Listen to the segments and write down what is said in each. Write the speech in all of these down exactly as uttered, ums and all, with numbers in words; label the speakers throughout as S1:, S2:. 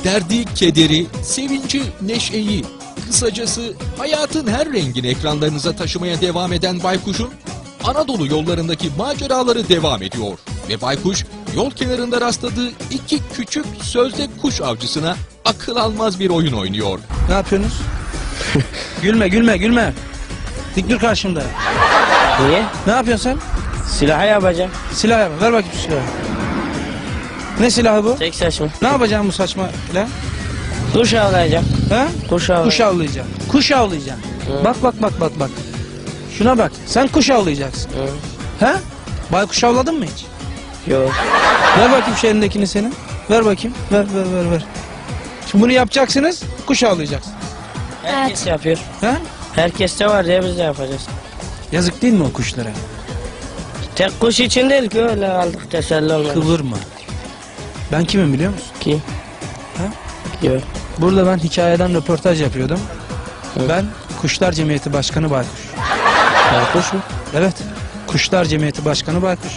S1: Derdi, kederi, sevinci, neşeyi, kısacası hayatın her rengini ekranlarınıza taşımaya devam eden Baykuş'un Anadolu yollarındaki maceraları devam ediyor. Ve Baykuş yol kenarında rastladığı iki küçük sözde kuş avcısına akıl almaz bir oyun oynuyor.
S2: Ne yapıyorsunuz? Gülme gülme gülme. Dik dur karşımda.
S3: Niye?
S2: Ne yapıyorsun sen?
S3: Silahı yapacağım.
S2: Silah yap. Ver bakayım şu silahı. Ne silahı bu?
S3: Tek saçma.
S2: Ne yapacağım bu saçma silah?
S3: Kuş avlayacağım.
S2: Ha?
S3: Kuş avlayacağım.
S2: Kuş avlayacaksın. Kuş avlayacaksın.
S3: Hı.
S2: Bak bak bak bak bak. Şuna bak. Sen kuş avlayacaksın.
S3: Hı.
S2: Ha? Baykuş avladın mı hiç?
S3: Yok.
S2: Ver bakayım şu elindekini senin. Ver bakayım. Ver ver ver ver. Şimdi bunu yapacaksınız. Kuş avlayacaksın.
S3: Herkes yapıyor.
S2: Ha?
S3: Herkeste var diye biz de yapacağız.
S2: Yazık değil mi o kuşlara?
S3: Tek kuş için değil ki öyle aldık teselli olmadı.
S2: Kıvırma. Ben kimim biliyor musun?
S3: Kim?
S2: Ha?
S3: Yok.
S2: Burada ben hikayeden röportaj yapıyordum.
S3: Hı.
S2: Ben Kuşlar Cemiyeti Başkanı Baykuş.
S3: Baykuş mu?
S2: Evet. Kuşlar Cemiyeti Başkanı Baykuş.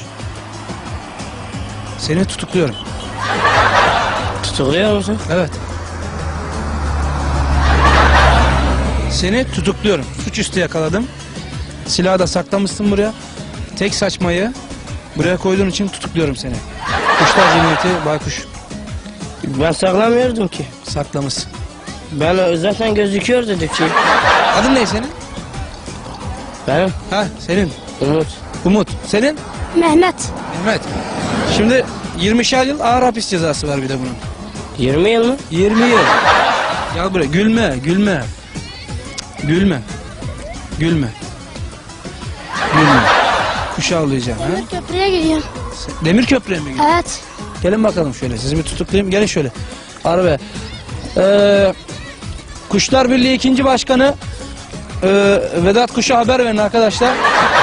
S2: Seni tutukluyorum.
S3: Tutukluyor musun?
S2: Evet. Seni tutukluyorum. Suçüstü yakaladım. Silahı da saklamışsın buraya. Tek saçmayı buraya koyduğun için tutukluyorum seni. Kuşlar Cemiyeti Baykuş.
S3: Ben saklamıyordum ki.
S2: Saklamışsın.
S3: Ben zaten gözüküyor dedik ki.
S2: Adın ne senin?
S3: Benim
S2: Ha senin.
S3: Umut.
S2: Umut. Senin?
S4: Mehmet.
S2: Mehmet. Şimdi yirmişer yıl ağır hapis cezası var bir de bunun.
S3: yirmi yıl mı?
S2: yirmi yıl. Gel buraya. Gülme, gülme. Cık, Gülme. Gülme. Gülme. Kuş avlayacağım. Ha?
S4: Demir köprüye gidiyorum.
S2: Demir köprüye mi gidiyorsun?
S4: Evet.
S2: Gelin bakalım şöyle. Sizi bir tutuklayayım. Gelin şöyle. Arabaya. Ee, Kuşlar Birliği ikinci başkanı ee, Vedat Kuş'a haber verin arkadaşlar.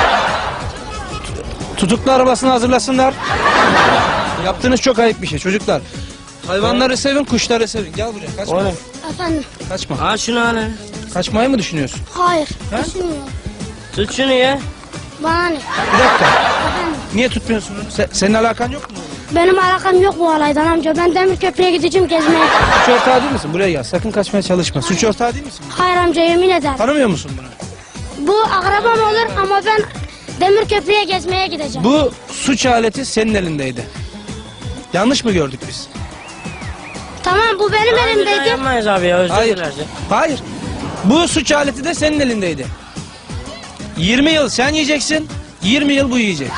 S2: Tutuklu arabasını hazırlasınlar. Yaptığınız çok ayıp bir şey çocuklar. Hayvanları sevin, kuşları sevin. Gel buraya. Kaçma.
S3: Oğlum.
S4: Efendim.
S2: Kaçma.
S3: Al şunu al.
S2: Kaçmayı mı düşünüyorsun?
S4: Hayır.
S2: Ha?
S4: Düşünmüyorum.
S3: Tut şunu ya.
S4: Bana ne?
S2: Bir dakika.
S4: Efendim.
S2: Niye tutmuyorsun onu? Se- senin alakan yok mu?
S4: Benim alakam yok bu olaydan amca. Ben demir köprüye gideceğim gezmeye.
S2: Suç ortağı değil misin? Buraya gel. Sakın kaçmaya çalışma. Suç ortağı değil misin?
S4: Hayır amca yemin ederim.
S2: Tanımıyor musun bunu?
S4: Bu akrabam olur ama ben demir köprüye gezmeye gideceğim.
S2: Bu suç aleti senin elindeydi. Yanlış mı gördük biz?
S4: Tamam bu benim
S3: Abi bir daha
S4: elimdeydi.
S3: yapmayız abi ya özür
S2: Hayır.
S3: dileriz.
S2: Hayır. Bu suç aleti de senin elindeydi. yirmi yıl sen yiyeceksin. yirmi yıl bu yiyecek.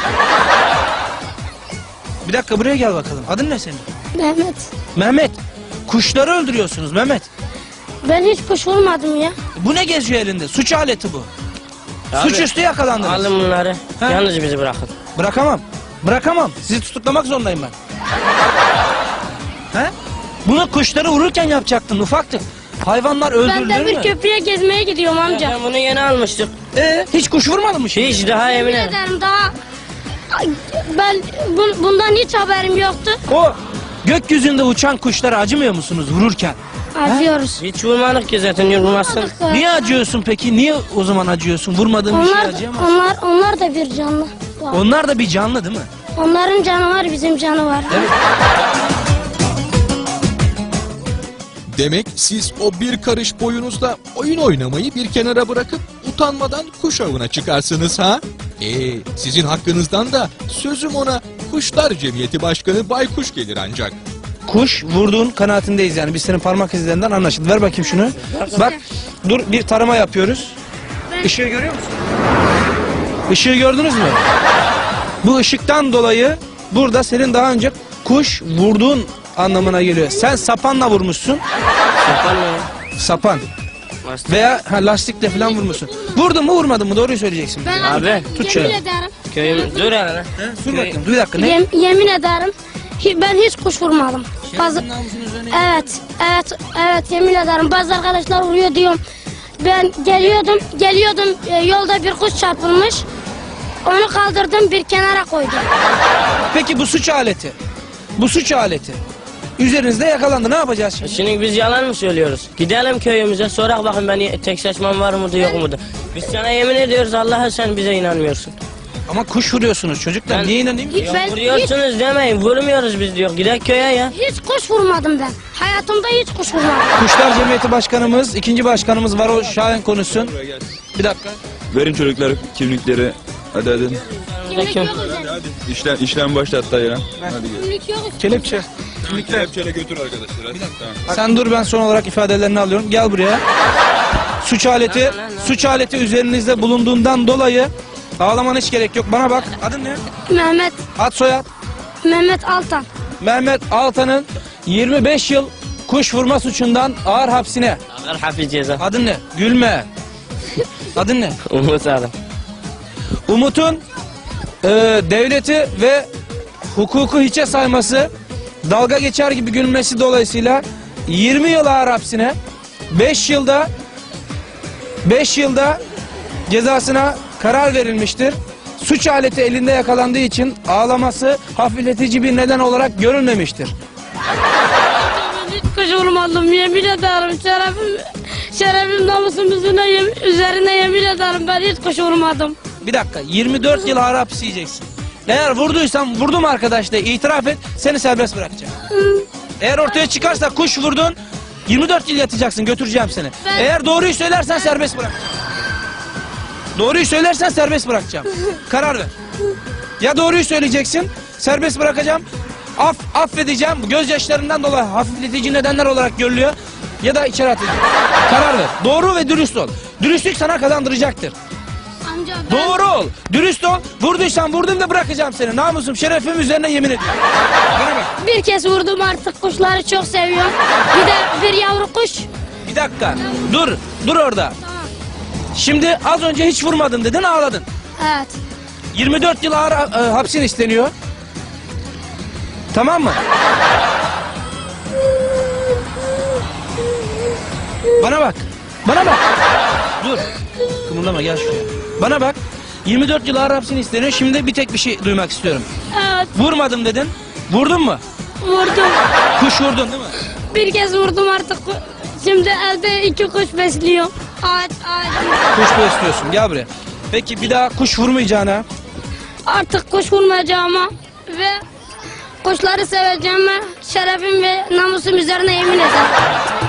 S2: Bir dakika buraya gel bakalım. Adın ne senin?
S4: Mehmet.
S2: Mehmet. Kuşları öldürüyorsunuz Mehmet.
S4: Ben hiç kuş vurmadım ya.
S2: Bu ne geziyor elinde? Suç aleti bu.
S3: Abi,
S2: Suçüstü yakalandınız.
S3: Alın bunları.
S2: Ha?
S3: Yalnız bizi bırakın.
S2: Bırakamam. Bırakamam. Sizi tutuklamak zorundayım ben. He? Bunu kuşları vururken yapacaktın ufaktık. Hayvanlar
S4: Ben
S2: öldürülür
S4: demir
S2: mü?
S4: köprüye gezmeye gidiyorum
S3: Ya
S4: amca.
S3: ben bunu yeni almıştık.
S2: Ee, hiç kuş vurmadın mı şimdi?
S3: Hiç daha
S4: Yemin
S3: emin ederim.
S4: ederim daha... Ay, Ben bun- bundan hiç haberim yoktu.
S2: O gökyüzünde uçan kuşlara acımıyor musunuz vururken?
S4: Acıyoruz.
S3: Hiç vurmadık ki zaten yorulmazsın.
S2: Niye acıyorsun peki? Niye o zaman acıyorsun? Vurmadığın bir şey
S4: Onlar,
S2: acıyamaz.
S4: onlar, onlar da bir canlı. Var.
S2: Onlar da bir canlı değil mi?
S4: Onların canı var, bizim canı var.
S1: Demek siz o bir karış boyunuzda oyun oynamayı bir kenara bırakıp utanmadan kuş avına çıkarsınız ha? Ee, sizin hakkınızdan da sözüm ona Kuşlar Cemiyeti Başkanı Baykuş gelir ancak.
S2: Kuş vurduğun kanaatindeyiz yani. Biz senin parmak izlerinden anlaşıldı. Ver bakayım şunu. Bak dur bir tarama yapıyoruz. Işığı görüyor musun? Işığı gördünüz mü? Bu ışıktan dolayı burada senin daha önce kuş vurduğun anlamına geliyor. Sen sapanla vurmuşsun.
S3: Yapan mı ya?
S2: Sapan.
S3: Lastik.
S2: Veya ha, lastikle falan vurmuşsun. Vurdun mu vurmadın mı? Doğruyu söyleyeceksin.
S4: Ben
S3: Abi,
S2: tut
S4: yemin
S2: şöyle.
S4: ederim.
S3: Köyüm dur hele.
S2: Dur bakayım. Dur bir dakika. Ne?
S4: Yem- yemin ederim. hi- Ben hiç kuş vurmadım. Bazı,
S2: namusun üzerine.
S4: evet, evet, evet yemin ederim. Bazı arkadaşlar vuruyor diyorum. Ben geliyordum, geliyordum e, yolda bir kuş çarpılmış. Onu kaldırdım bir kenara koydum.
S2: Peki bu suç aleti. Bu suç aleti. Üzerinizde yakalandı. Ne yapacağız şimdi?
S3: Şimdi biz yalan mı söylüyoruz? Gidelim köyümüze sorak bakın ben tek saçmam var mıdır yok mudur? Biz sana yemin ediyoruz Allah'a sen bize inanmıyorsun.
S2: Ama kuş vuruyorsunuz çocuklar.
S3: Ben-
S2: Niye inanayım ki?
S3: Ya
S4: Ben
S3: vuruyorsunuz demeyin. Vurmuyoruz biz diyor. Gidelim köye ya.
S4: Hiç kuş vurmadım ben. Hayatımda hiç kuş vurmadım.
S2: Kuşlar Cemiyeti Başkanımız, ikinci başkanımız var, o Şahin konuşsun. Bir dakika.
S5: Verin çocuklar kimlikleri. Hadi hadi.
S4: Kimlik
S3: Kim?
S4: yok üzerinde.
S5: İşlem, işlem başlat hatta ya. Hadi gel.
S4: Kimlik yok üzerinde.
S2: Kelepçe.
S5: Kelepçeyle götür arkadaşlar. Hadi. Tamam.
S2: Sen dur, ben son olarak ifadelerini alıyorum. Gel buraya. Suç aleti, suç aleti üzerinizde bulunduğundan dolayı ağlamana hiç gerek yok. Bana bak. Adın ne?
S4: Mehmet,
S2: Ad soyad.
S4: Mehmet Altan.
S2: Mehmet Altan'ın yirmi beş yıl kuş vurma suçundan ağır hapsine.
S3: Ağır hafif ceza.
S2: Adın ne? Gülme. Adın ne?
S3: Umut adam.
S2: Umut'un e, devleti ve hukuku hiçe sayması, dalga geçer gibi gülmesi dolayısıyla yirmi yıl ağır hapsine, beş yılda beş yılda cezasına karar verilmiştir. Suç aleti elinde yakalandığı için ağlaması hafifletici bir neden olarak görülmemiştir.
S4: Ben hiç kuş vurmadım. Yemin ederim. Şerefim, şerefim namusum üzerine, yem- üzerine yemin ederim. Ben hiç kuş vurmadım.
S2: Bir dakika, yirmi dört yıl ağır hapis yiyeceksin. Eğer vurduysan, vurdum arkadaş de itiraf et, seni serbest bırakacağım. Eğer ortaya çıkarsa kuş vurdun, yirmi dört yıl yatacaksın, götüreceğim seni.
S4: Ben-
S2: Eğer doğruyu söylersen serbest bırak. Doğruyu söylersen serbest bırakacağım. Karar ver. Ya doğruyu söyleyeceksin, serbest bırakacağım. Af, affedeceğim, gözyaşlarından dolayı hafifletici nedenler olarak görülüyor. Ya da içeri atacağım. Karar ver. Doğru ve dürüst ol. Dürüstlük sana kazandıracaktır.
S4: Amca ben...
S2: Doğru ol, dürüst ol. Vurduysan vurdum da bırakacağım seni. Namusum, şerefim üzerine yemin ediyorum. Bana bak.
S4: Bir kez vurdum, artık kuşları çok seviyorum. Bir de bir yavru kuş.
S2: Bir dakika. Dur, dur orada. Şimdi az önce hiç vurmadın dedin, ağladın.
S4: Evet.
S2: yirmi dört yıl ağır e, hapsin isteniyor. Tamam mı? Bana bak. Bana bak. Dur. Kımıldama, gel şuraya. Bana bak. yirmi dört yıl ağır hapsin isteniyor. Şimdi bir tek bir şey duymak istiyorum.
S4: Evet,
S2: Vurmadım dedin. Vurdun mu?
S4: vurdum.
S2: Kuş vurdun değil mi?
S4: Bir kez vurdum artık. Şimdi elde iki kuş besliyorum. Ağaç, ağaç.
S2: Kuş besliyorsun. Gel buraya. Peki bir daha kuş vurmayacağına,
S4: Artık kuş vurmayacağıma ve kuşları seveceğime şerefim ve namusum üzerine yemin ederim.